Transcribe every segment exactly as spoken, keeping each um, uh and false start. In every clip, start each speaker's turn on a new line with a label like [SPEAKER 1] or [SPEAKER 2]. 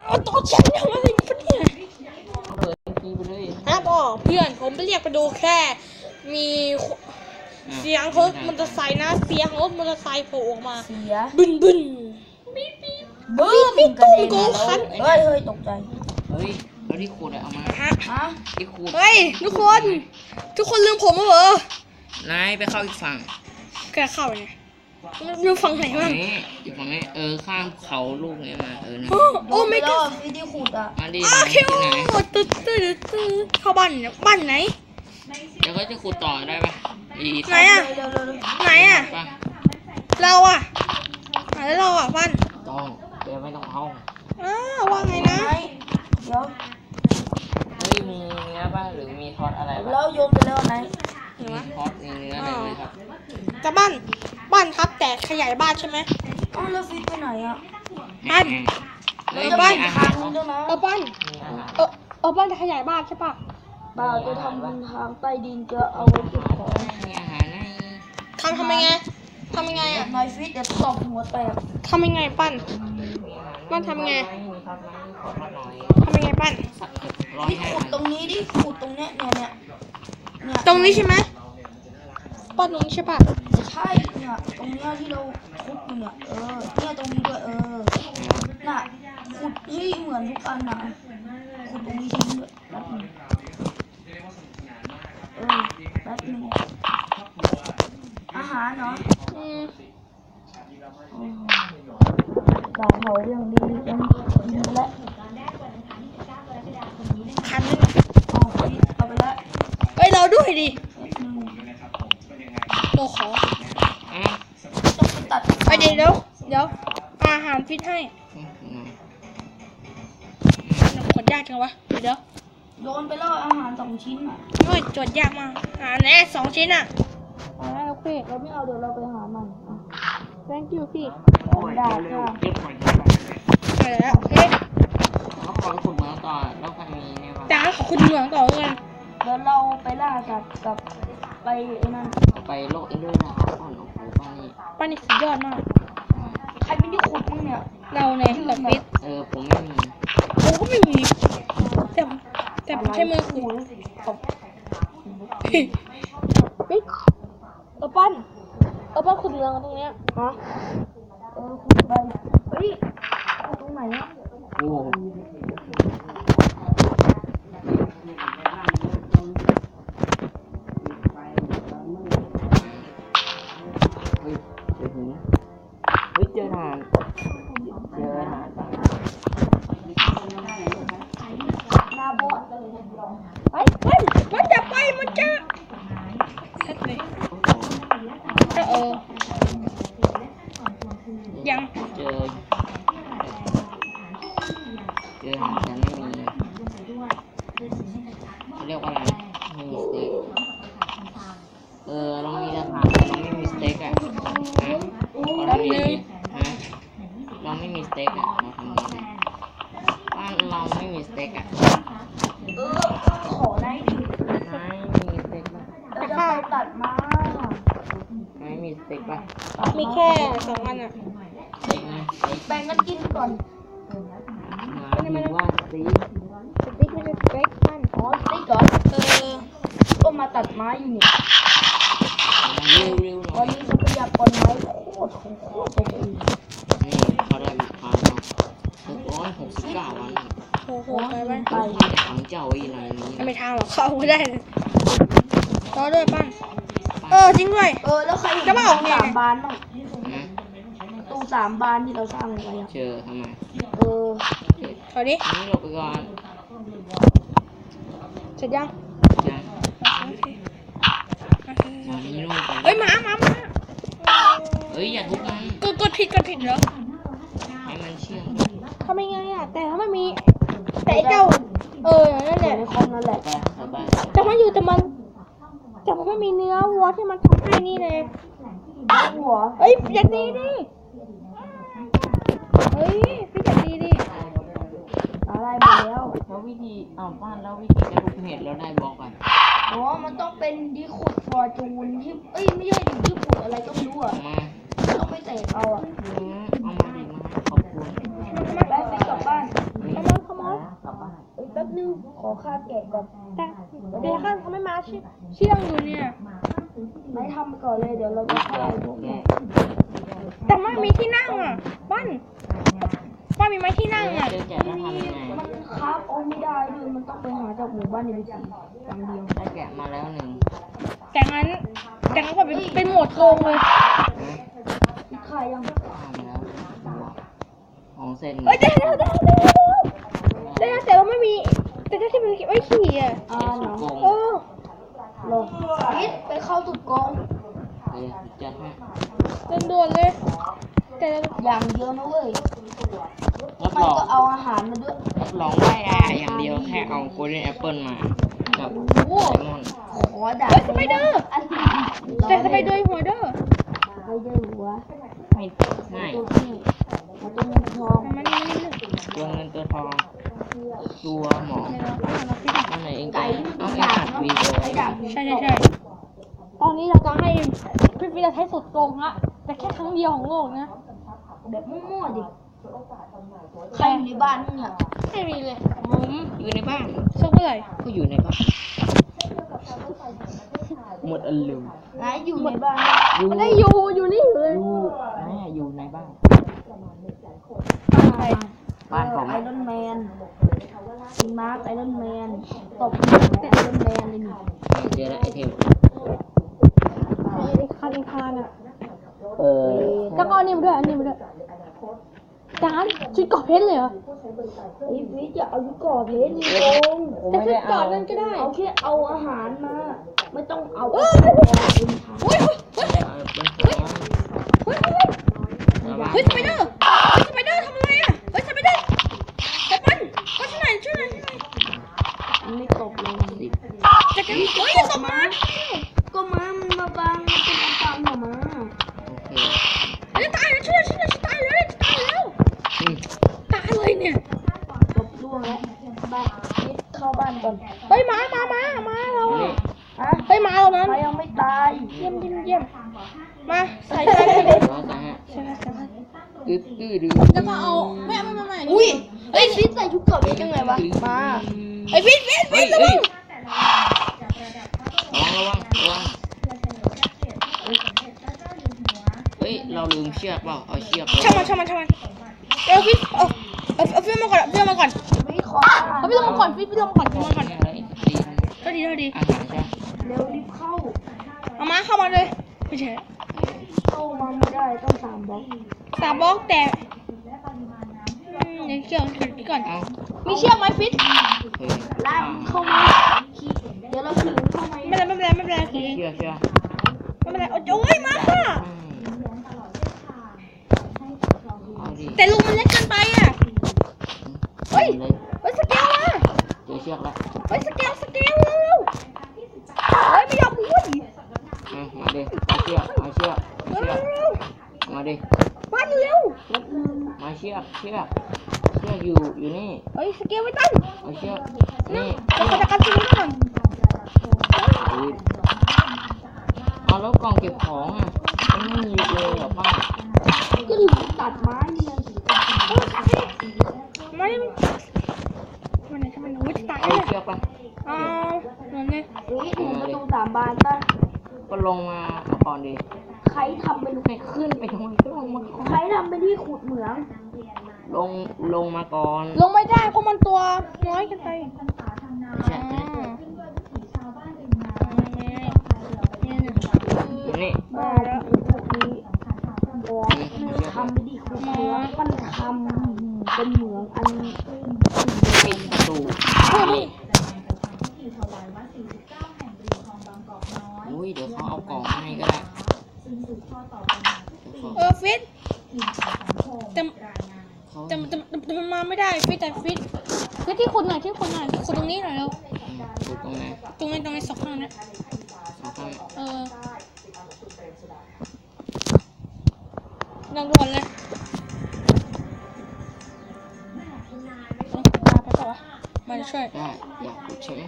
[SPEAKER 1] เอาตอนฉันทำอะไรกันเนี่ย
[SPEAKER 2] เปิดทีไปเลย
[SPEAKER 1] นะพ่อเพื่อนผมไปเรียกไปดูแค่มีเสียงรถมอเตอร์ไซค์นะเสียงรถมอเตอร์ไซค์โผล่ออกมา
[SPEAKER 3] เสีย
[SPEAKER 1] บึนบึน
[SPEAKER 3] บึ้มกระเด็นมาแล้วเฮ้ยเฮ้ยตกใจ
[SPEAKER 2] เฮ้ยแล้วที่ขูดเอามา
[SPEAKER 1] ฮะ
[SPEAKER 2] ที่ขูด
[SPEAKER 1] เฮ้ยทุกคนทุกคนลืมผมแล้วเหรอน
[SPEAKER 2] ายไปเข้าอีกฝั่ง
[SPEAKER 1] แกเข้าไงลืมฝั่งไหนบ้าง
[SPEAKER 2] อีกฝั่งนี้เออข้ามเขาลูกนี้มาเออนะ
[SPEAKER 1] โอ้ไม่ก็
[SPEAKER 3] วิธีขุดอ่ะ
[SPEAKER 2] มาดิ
[SPEAKER 1] โอเคโอ้ตึ๊ดตึ๊ดตึ๊ดเข้าบ้านบ้านไหน
[SPEAKER 2] เดี๋ยวก็จะขูดต่อได้ปะ
[SPEAKER 1] ไหนอ่ะไหนอ่ะเราอ่ะแล้วเราอ่ะบ้าน
[SPEAKER 2] ต้องเดี๋ยวไม่ต้องเอา
[SPEAKER 1] อ้าวว่าไงนะ
[SPEAKER 3] เดี๋ยว
[SPEAKER 2] เฮ้ยมีเนื้อป่ะหรือมีทอดอะไร
[SPEAKER 3] แล้วโยนไปแล้วไหน
[SPEAKER 2] มีทอดมีเนื้ออะไรไหมครับ
[SPEAKER 1] จะบ้านบ้านครับแต่ขยายบ้านใช่ไหม
[SPEAKER 3] อ๋อแล้วฟิตไปไหนอ่ะ
[SPEAKER 1] บ้าน
[SPEAKER 3] เออบ้านทางนึงด้วยนะ
[SPEAKER 1] เออบ้านเออเออบ้านจะขยายบ้านใช่ปะ
[SPEAKER 3] บ้านจะทำเป็นทางใต้ดินจะเอาไว้เก็บของ
[SPEAKER 2] มีอาหารให้
[SPEAKER 1] ทำทำยังไงทำยังไงอ่ะ
[SPEAKER 3] นายฟิตเดี๋ยวตบหัวแตก
[SPEAKER 1] ทำยังไงปั้นปั้นทำยังไงทำยังไงปั้น
[SPEAKER 3] นี่ขุดตรงนี้ดิขุดตรงเนี้ยเนี่ยเนี่ยเนี่ย
[SPEAKER 1] ตรงนี้ใช่ไหมปั้นตรงนี้ใช่ปะ
[SPEAKER 3] ใช่เนี่ยตรงเนี้ยที่เราขุดอยู่เนี่ยเออเนี่ยตรงนี้ด้วยเออน่ะขุดให้เหมือนทุกอันนะขุดตรงนี้ทิ้งด้วยแป๊บนึงเออแป๊บนึงอาหารเนาะ
[SPEAKER 1] อืม
[SPEAKER 3] ดาวเผาเรื่องดียังกินไปแล้ว
[SPEAKER 1] คันนึง
[SPEAKER 3] เอาเอาไปแล้ว
[SPEAKER 1] เฮ้ยเราด้วยดิเราขอ
[SPEAKER 3] ต้องไปตัด
[SPEAKER 1] ไปเดี๋ยวเดี๋ยวอาหารฟิตให้ขนยากจังวะเดี๋ยว
[SPEAKER 3] โยนไปแล้วอาหารสองชิ้นอ่ะ
[SPEAKER 1] โอ้ยจดยากมากอ่าแน่สองชิ้นอ่ะอ่าโอเค
[SPEAKER 3] เราไม่เอาเดี๋ยวเราไปหามัน
[SPEAKER 1] thank you พี่
[SPEAKER 3] ได้ค่ะ
[SPEAKER 1] ไปแล้วโอเค
[SPEAKER 2] แล้วขอขุดเหมืองต่อแล้วใครมีเนี่ยบ้าง
[SPEAKER 1] จ้าขอคุณเหมืองต่อเลย
[SPEAKER 3] เดี๋ยวเราไปล่าสัตว์กับไปไอ้นั่น
[SPEAKER 2] ไปโลกอินเดอร์นะครับอ๋อโอ้โหป้านี่
[SPEAKER 1] ป้านี่สุดยอดมาก
[SPEAKER 3] ใครไม่ได้ขุดมั้งเนี่ย
[SPEAKER 1] เราเนี่ยกับฟิต
[SPEAKER 2] เออผมไม่มี
[SPEAKER 1] ผมก็ไม่มีแต่แต่ผมใช้มือขุดปิ๊กเออปั้นเออปั้นขุดเหมืองตรงเนี้ยฮะ
[SPEAKER 3] เออขุดไปเฮ้ยตรงไหนอ่ะ
[SPEAKER 2] โอ้เฮ้ยเจอหินเฮ้ยเจอทานเจอทาน
[SPEAKER 3] หน้าบอด
[SPEAKER 1] ไปไปมันจะไปมันจะชัดเลยเออยัง
[SPEAKER 2] เจอเจอหาแต่ไม่มีเรียกว่าอะไรไม่มีสเต็กเออเรามีสถานแต่เราไม่มีสเต็กอ่ะฮะเรามีฮะเราไม่มีสเต็กอ่ะเราทำยังไงบ้านเราไม่มีสเต็กอ่ะ
[SPEAKER 3] เออขอได้ดิ
[SPEAKER 2] ไม่มีสเต็กป่ะ
[SPEAKER 3] เราจะไปตัดมา
[SPEAKER 2] ไม่มีสเต็กป่ะ
[SPEAKER 1] มีแค่สองอันอ่ะ
[SPEAKER 3] แบ่งกันกินก่อน
[SPEAKER 2] ไม่ได้ว่าสเต็ก
[SPEAKER 1] สติ๊กไม่ใช่สเต็กปั้น
[SPEAKER 3] อ๋อสติ๊กก่อนเออก็มาตัดไม้อยู่นี่วันนี้ทรัพยากรไม้โคตรโคตรโคตรเลย
[SPEAKER 2] นี่เขาได้มาพันเนาะหกร้อยหกสิบเก้าวัน
[SPEAKER 1] โอ้โหไปไป
[SPEAKER 2] ไปถังเจ้าอีไรนี้
[SPEAKER 1] ไม่ทางหรอกเข้าไม่ได้รอด้วยปั้นเออจริงด้วย
[SPEAKER 3] เออแล้วใครจะมาออกสามบานบ้างตู้สามบานที่เราสร้างไว้อะ
[SPEAKER 2] เจอทำไม
[SPEAKER 3] เออ
[SPEAKER 1] ถอยดิ
[SPEAKER 2] นี่หลบไปก่อน
[SPEAKER 1] เสร็จยัง
[SPEAKER 2] ยัง
[SPEAKER 1] เฮ้ยมามามา
[SPEAKER 2] เฮ้ยอย่าทุบมัน
[SPEAKER 1] กดกดผิดกดผิดเหรอ
[SPEAKER 2] ให้มันเชื่อง
[SPEAKER 1] ทำยังไงอ่ะแต่ถ้าไม่มีแต่เจ้าเออนั่นแหละ
[SPEAKER 3] ในคอมนั่นแหละ
[SPEAKER 1] แต่มันอยู่แต่มันแต่มันไม่มีเนื้อวัวที่มันทำให้นี่เลย
[SPEAKER 3] หัว
[SPEAKER 1] เฮ้ยอย่าดีดิเฮ้ยพี่อย่าดีดิ
[SPEAKER 3] อะไรมาแล้ว
[SPEAKER 2] แล้ววิธีอ้าวบ้านแล้ววิธีจะทุบเห็ดแล้วได้บอกกัน
[SPEAKER 3] อ๋อมันต้องเป็นดิขุดฟอร์จูนที่เอ้ยไม่ใช่ดิที่ขุดอะไรก็ไม่รู้อ่ะต้องไปเตะเอาอ่ะ
[SPEAKER 2] เอามาดิมาขอบคุณ
[SPEAKER 3] ไปไปกลับบ้าน
[SPEAKER 1] ม
[SPEAKER 3] ขอค่าแกะก่อน
[SPEAKER 1] แต่เดี๋ยวข้าเขาไม่มาเชี่ยเชี่ยงอยู่เนี่ย
[SPEAKER 3] ไม่ทำไปก่อนเลยเดี๋ยวเราจะฆ่าไอ้พวกนี้
[SPEAKER 1] แต่ไม่มีที่นั่งอ่ะบ้านบ้านมีไหมที่นั่งอ่ะ
[SPEAKER 2] เจอแกะแล้วทำยังไง
[SPEAKER 3] มันคราฟเอาไม่ได้ด้วยมันต้องไปหาจากหมู่บ้านในวิถีอย่างเดียว
[SPEAKER 2] ได้แกะมาแล้วหนึ่ง
[SPEAKER 1] แต่งั้นแต่งั้นก็เป็นเป็นโหมดโกงเลย
[SPEAKER 2] นะ
[SPEAKER 3] อีกใครยัง
[SPEAKER 2] ทำแล้วของเซน
[SPEAKER 1] เอ้ยเดี๋ยวเดี๋ยวเดี๋ยวเดี๋ยวแต่เราไม่มีแต่ถ้าที่มันไม่ขี่อ่ะ
[SPEAKER 3] อ่า
[SPEAKER 2] สุ
[SPEAKER 3] เนาะ
[SPEAKER 2] ดโกง
[SPEAKER 1] เออ
[SPEAKER 3] ลงพิษไปเข้าสุดกอง
[SPEAKER 2] เฮ้ยจัดให้
[SPEAKER 1] ด่วนๆเลยแต่เรา
[SPEAKER 3] อย่างเดียวนะเว้ย
[SPEAKER 2] รับ
[SPEAKER 3] ไม่
[SPEAKER 2] รอง
[SPEAKER 3] ก็เอาอาหารมาด้วย
[SPEAKER 2] รับรองได้อาอย่างเดียวแค่เอาโกลเด้นแอปเปิลมากับ
[SPEAKER 3] โอ้
[SPEAKER 2] ไซมอน
[SPEAKER 3] ขอด่า
[SPEAKER 1] เฮ้ยสไปเดอร์
[SPEAKER 3] อันนี้
[SPEAKER 1] แต่สไปเดอร์หัวเด้อ
[SPEAKER 3] ไปเดอร์หัว
[SPEAKER 2] ไม่ไม่
[SPEAKER 3] ตัวที่เอาตัวเงินทอง
[SPEAKER 1] มันนี่มันนี่
[SPEAKER 2] ตัวเงินตัวทองตัวหมอ
[SPEAKER 1] เดี๋ยวเราเอามาพิจารณา
[SPEAKER 2] นั่นไหนเอง
[SPEAKER 3] ไก่
[SPEAKER 2] เอา
[SPEAKER 3] ที่
[SPEAKER 2] เอง
[SPEAKER 3] ด่า
[SPEAKER 2] อัด
[SPEAKER 3] เนาะ
[SPEAKER 2] วีดีโอ
[SPEAKER 3] ไอ้ด่า
[SPEAKER 1] ใช่ใช่ใช่ตอนนี้เราจะให้พี่พีจะใช้สุดโกงละแต่แค่ครั้งเดียวของโลกนะ
[SPEAKER 3] แบบมั่วๆดิใครอยู่ในบ้านมึงเนี่ย
[SPEAKER 1] ไม่มีเลย
[SPEAKER 2] ผมอยู่ในบ้าน
[SPEAKER 1] สักเมื่อไหร่
[SPEAKER 2] ก็อยู่ในบ้านหมดอารมณ์
[SPEAKER 3] ไหนอยู่ในบ้าน
[SPEAKER 2] อยู่
[SPEAKER 1] มันได้อยู่อยู่นี่อยู่เลย
[SPEAKER 2] อยู่แม่อยู่ในบ้าน
[SPEAKER 1] ใคร
[SPEAKER 2] บ้านผม
[SPEAKER 3] ไอรอนแมนซีมาร์คไอรอนแมนตบหัวไอรอนแมนเลยนี่
[SPEAKER 2] เจอแล้วไอเทม
[SPEAKER 1] ไอ้คันไอ้คานอ่ะ
[SPEAKER 2] เออ
[SPEAKER 1] แล้วก็อันนี้มาด้วยอันนี้มาด้วยจานชุดเกาะเพชรเลยเหรอ
[SPEAKER 3] ไอ้ฟิชจะเอายุก่อเพชรนี่โกง
[SPEAKER 2] ผม
[SPEAKER 1] แต่
[SPEAKER 2] ไม่
[SPEAKER 1] ชุ
[SPEAKER 2] ได้
[SPEAKER 1] ด
[SPEAKER 2] เอา
[SPEAKER 1] เกาะนั่นก็ได้
[SPEAKER 3] เอาแค่เอาอาหารมา ไม่ต้องเอา
[SPEAKER 1] เฮ้ย
[SPEAKER 3] เอาเป็นทาง
[SPEAKER 1] เฮ้ยเฮ้ย
[SPEAKER 2] เอาเป็นของ
[SPEAKER 1] เฮ้ยเฮ้ย
[SPEAKER 2] ชาวบ้าน
[SPEAKER 1] เฮ้ยสไปเดอร์สไปเดอร์ทำอะไรอ่ะเฮ้ยสไปเดอร์แต่ปันก็ช่วยหน่อยช่วยหน่อยช่วยหน่อย
[SPEAKER 3] มันไม่ตบเลย
[SPEAKER 2] สิบ
[SPEAKER 1] จะกันเฮ้ยจะตบมา
[SPEAKER 3] ก็มามันมาบังมันเป็นอันตรายหรอมา
[SPEAKER 2] โอเค
[SPEAKER 1] เฮ้ยตายแล้วช่วยหน่อยช่วยหน่อยจะตายแล้วจะตายแล้ว
[SPEAKER 2] อืม
[SPEAKER 1] ตายเลยเนี่ย
[SPEAKER 3] ตบล่วงแล้วบ้านฟิชเข้าบ้านก่อน
[SPEAKER 1] เฮ้ยมามามามาเรา
[SPEAKER 2] นี่
[SPEAKER 3] ฮะ
[SPEAKER 1] เฮ้ยมาเรานั้น
[SPEAKER 3] ใครยังไม่ตาย
[SPEAKER 1] เยี่ยมเยี่ยมเยี่ยมมาใส่ไปเลย
[SPEAKER 2] ร้อยสามฮะ
[SPEAKER 1] ใช่ไหมใช่ไหม
[SPEAKER 2] ตึ๊ดตื้อดื้อ
[SPEAKER 1] แล้วก็เอาไม่ไม่ไม่ไม่
[SPEAKER 3] อุ้ยเฮ้ยฟิชใส่ชุดเกราะเพชรยังไงวะมา
[SPEAKER 1] ไอ้ฟิตฟิต
[SPEAKER 2] เฮ้
[SPEAKER 1] ฟิ
[SPEAKER 2] ย
[SPEAKER 1] ตระ
[SPEAKER 2] เฮ้
[SPEAKER 1] วั
[SPEAKER 2] ย
[SPEAKER 1] ง
[SPEAKER 2] ระวังระวังระวังเฮ้ยเราลืมเชือกเปล่าเอาเชือกไป
[SPEAKER 1] ช่างมันช่างมันช่างมันเอาฟิตเอาเอาเอาฟิตมาก่อนฟิตมาก่อน
[SPEAKER 3] ไม่ขอ
[SPEAKER 1] เอาฟิตลงมาก่อนฟิตฟิตลงมาก่อนฟิตลงมาก่อน
[SPEAKER 2] อะไรดี
[SPEAKER 1] ก็ดีก็ดี
[SPEAKER 2] อาหารจ้ะ
[SPEAKER 3] เร็วรีบเข้า
[SPEAKER 1] เอามาเข้ามาเลยไม่ใช่
[SPEAKER 3] เข้ามาไม่ได้ต้องสามบล็อก
[SPEAKER 1] สามบล็อกแต่อืมเดี๋ยวเกี่ยวเดี๋ยวก่อน
[SPEAKER 2] เอา
[SPEAKER 1] มีเชือกไหมฟิต
[SPEAKER 2] เฮ้ย
[SPEAKER 3] ลากเข้ามาขี่เดี๋ยวเราขี่เข้ามา
[SPEAKER 1] ไม่เป็นไรไม่เป็นไรไม่เป็นไรคือ
[SPEAKER 2] เชือกเชือก
[SPEAKER 1] ไม่เป็นไรโอ้ยมาค่ะ
[SPEAKER 2] เอาดิ
[SPEAKER 1] แต่ลุงมันเล็กเกินไปอ่ะเฮ้ย
[SPEAKER 2] เลย
[SPEAKER 1] เฮ้ยสเกลมา
[SPEAKER 2] เจอเชือกแล้ว
[SPEAKER 1] เฮ้ยสเกลสเกลเร็วเฮ้ยไม่ยอมพูด
[SPEAKER 2] เอามาดิเอาเชือกเอาเชือกเอา
[SPEAKER 1] เร็ว
[SPEAKER 2] เชือก
[SPEAKER 1] เร็ว
[SPEAKER 2] มาดิ
[SPEAKER 1] บ้านเร็ว
[SPEAKER 2] มาเชือกเชือกเชือกอยู่อยู่นี่
[SPEAKER 1] เฮ้ยสเกลไม่ตั้ง
[SPEAKER 2] เอาเชือก
[SPEAKER 1] นี่
[SPEAKER 2] นี่
[SPEAKER 1] เราขอจัดการตรงนี้ก่อน
[SPEAKER 2] อุ๊ยเอาแล้วกล่องเก็บของอ่ะมันไม่มีเลยเหรอป้า
[SPEAKER 3] ก็หลุดตัดไม้เนี่ย
[SPEAKER 1] ไม่มันไหนทำไมหนูจะตาย
[SPEAKER 2] เอา
[SPEAKER 1] เลย
[SPEAKER 2] เชือกไป
[SPEAKER 1] เอาหนูเนี่ย
[SPEAKER 3] เฮ้ยเห็นประตูสามบานป่ะ
[SPEAKER 2] ก็ลงมาเอาก่อนดิ
[SPEAKER 3] ใครทำเป็น
[SPEAKER 2] ไม่ขึ้นไปทำไมก็ลงมาก่อน
[SPEAKER 3] ใครทำเป็นที่ขุดเหมือง
[SPEAKER 2] ลงลงมาก่อน
[SPEAKER 1] ลงไม่ได้เพราะมันตัวน้อยเกันไป
[SPEAKER 2] ไม่ใช่
[SPEAKER 1] อ๋อ
[SPEAKER 2] อยู่นี่
[SPEAKER 3] บ้าที่พวกนี้บอกเลยทำเป็นที่ขุดเหมืองมันทำเป็นเหมืองอัน
[SPEAKER 2] ปิดประตู
[SPEAKER 1] เฮ้ยมึง
[SPEAKER 2] อุ้ยเดี๋ยวเขาเอากล่องมาให้ก็ได้เดี๋ยว
[SPEAKER 1] เออฟิตแต่
[SPEAKER 2] เขา
[SPEAKER 1] แต่แต่แต่มันมาไม่ได้ฟิตแต่ฟิตฟิตที่คุณหน่อยที่คุณหน่อยคุณตรงนี้หน่อยแล้ว
[SPEAKER 2] ดูตรงไหน
[SPEAKER 1] ตรงนี้ตรงนี้สองข้างนะ
[SPEAKER 2] เขาข้าง
[SPEAKER 1] เออดังด่วนเลยมาไปต่อวะมาช่วย
[SPEAKER 2] ได้อยากกดใช่ไหม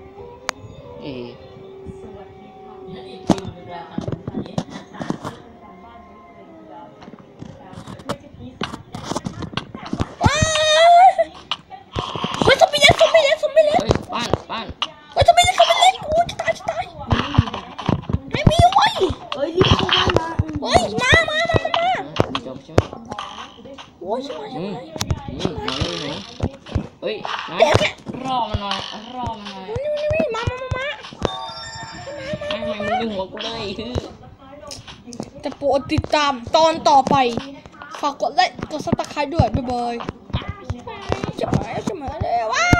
[SPEAKER 2] เอ
[SPEAKER 1] โอ้ยใช่ไหม
[SPEAKER 2] อืมอืมน้องอยู่ไหนเฮ้ยนะรอมันหน่อยรอมันหน่อย
[SPEAKER 1] นี่นี่นี่มามามามา
[SPEAKER 2] ไม่ไม่มึงดึงหัวกูเลยคือ
[SPEAKER 1] จะโปรดติดตามตอนต่อไปฝากกดไลค์กดซับสไครต์ด้วยบ๊ายบายจะมาจะมาเลยว้า